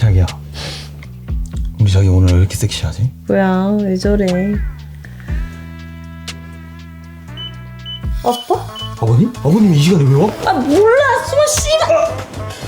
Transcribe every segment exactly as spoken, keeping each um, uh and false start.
자기야, 우리 자기 오늘 왜 이렇게 섹시하지? 뭐야, 왜 저래? 아빠? 아버님? 아버님 이 시간에 왜 와? 아 몰라, 숨어 씨발.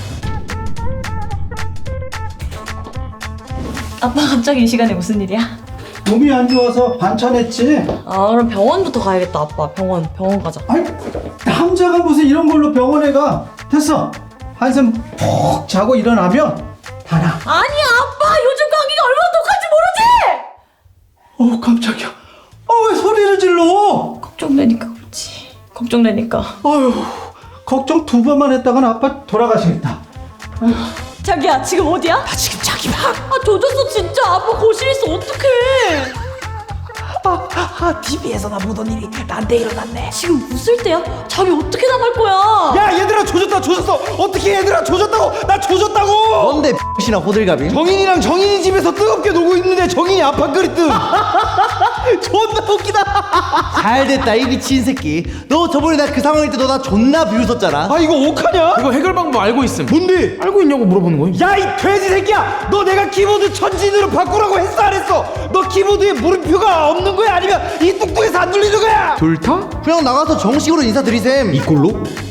아빠 갑자기 이 시간에 무슨 일이야? 몸이 안 좋아서 반찬했지. 아 그럼 병원부터 가야겠다. 아빠 병원 병원 가자. 아니, 남자가 무슨 이런 걸로 병원에 가. 됐어. 한숨 푹 자고 일어나면 다 나. 아니야 아빠, 요즘 감기가 얼마나 독한지 모르지? 어우, 깜짝이야. 어, 왜 소리를 질러? 걱정되니까 그렇지. 걱정되니까. 아유, 걱정 두 번만 했다간 아빠 돌아가시겠다. 자기야 지금 어디야? 나 지금 자기 방. 아 조졌어 진짜. 아빠 거실에 있어. 어떡해. 아, 아, 티비에서 나 보던 일이 나한테 일어났네. 지금 웃을 때야? 자기 어떻게 나갈 거야? 야, 얘들아 조졌다 조졌어. 어떻게 얘들아 조졌다고? 나 조졌다고. 뭔데 X나 호들갑이? 정인이랑 정인이 집에서 뜨겁게 놀고 있는데 정인이 아파 끓이뜸. 존나 웃기다. 잘됐다 이 미친 새끼. 너 저번에 나 그 상황일 때 너 나 존나 비웃었잖아. 아, 이거 어떡하냐? 이거 해결 방법 알고 있음. 뭔데? 알고 있냐고 물어보는 거임. 야, 이 돼지 새끼야! 너 내가 키보드 천진으로 바꾸라고 했어 안 했어? 너 키보드에 물음표가 없는 거야? 아니면 이 뚱뚱해서 안 눌리는 거야? 둘 다? 그냥 나가서 정식으로 인사드리셈. 이꼴로?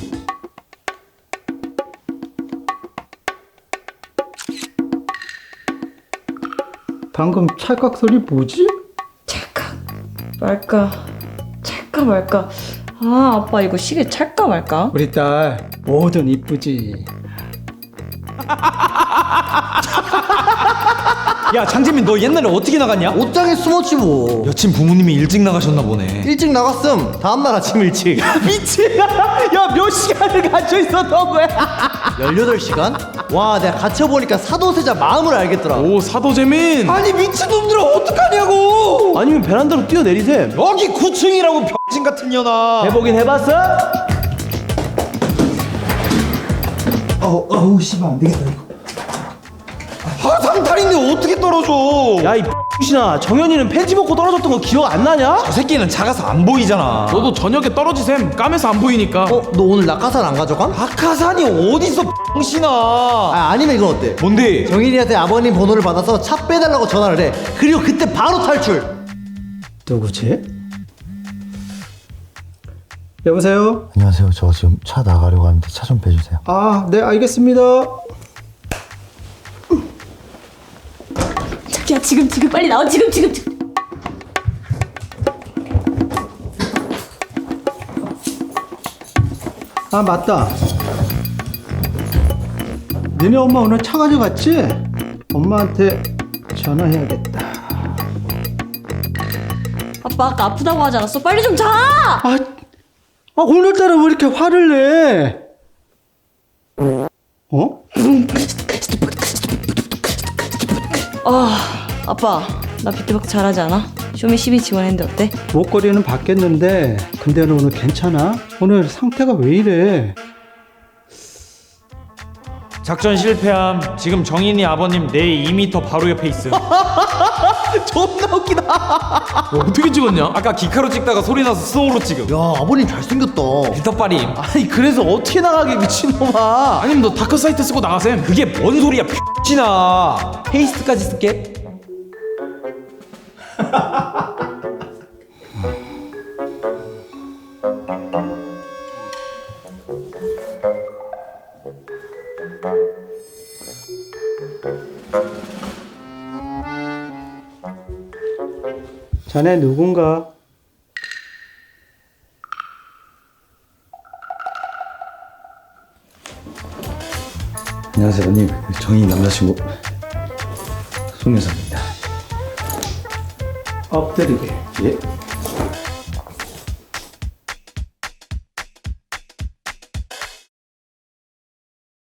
방금 찰칵 소리 뭐지? 찰까 말까 찰까 말까. 아 아빠 이거 시계 찰까 말까? 우리 딸 뭐든 이쁘지. 야, 장재민 너 옛날에 어떻게 나갔냐? 옷장에 숨었지 뭐. 여친 부모님이 일찍 나가셨나 보네. 일찍 나갔음. 다음날 아침 일찍. 미친. 야, 몇 시간을 갇혀 있었던 거야? 열여덟 시간? 와 내가 갇혀보니까 사도세자 마음을 알겠더라. 오 사도재민. 아니 미친놈들아 어떡하냐고. 아니면 베란다로 뛰어내리세. 여기 구 층이라고 병신 같은 년아. 해보긴 해봤어? 어우, 어우, 씨발 안 되겠다 이거. 아, 상탈인데 어떻게 떨어져? 야, 이 X나 정현이는 팬티 벗고 떨어졌던 거 기억 안 나냐? 저 새끼는 작아서 안 보이잖아. 너도 저녁에 떨어지셈. 까매서 안 보이니까. 어? 너 오늘 낙하산 안 가져감? 박하산이 어딨어 X나. 아 아니면 이건 어때? 뭔데? 정인이한테 아버님 번호를 받아서 차 빼달라고 전화를 해. 그리고 그때 바로 탈출. 누구지? 여보세요? 안녕하세요. 저 지금 차 나가려고 하는데 차 좀 빼주세요. 아, 네, 알겠습니다. 자기야 지금 지금 빨리 나와. 지금 지금 지금. 아, 맞다. 너네 엄마 오늘 차 가져갔지? 엄마한테 전화해야겠다. 아빠 아까 아프다고 하지 않았어? 빨리 좀 자. 아, 아 오늘따라 왜 이렇게 화를 내? 어? 아 아빠 나 비트박스 잘하지 않아? 쇼미 십이 지원했는데 어때? 목걸이는 받겠는데 근데 너 오늘 괜찮아? 오늘 상태가 왜 이래? 작전 실패함. 지금 정인이 아버님 내 이 미터 바로 옆에 있음. 존나 웃기다. 뭐 어떻게 찍었냐? 아까 기카로 찍다가 소리 나서 스노우로 찍음. 야 아버님 잘생겼다. 비터빠림. 아니 그래서 어떻게 나가게 미친놈아. 아니면 너 다크 사이트 쓰고 나가셈. 그게 뭔 소리야 X나. 페이스트까지 쓸게. 자네 누군가? 안녕하세요, 언니. 정희 남자친구 송여사입니다. 엎드리게. 예?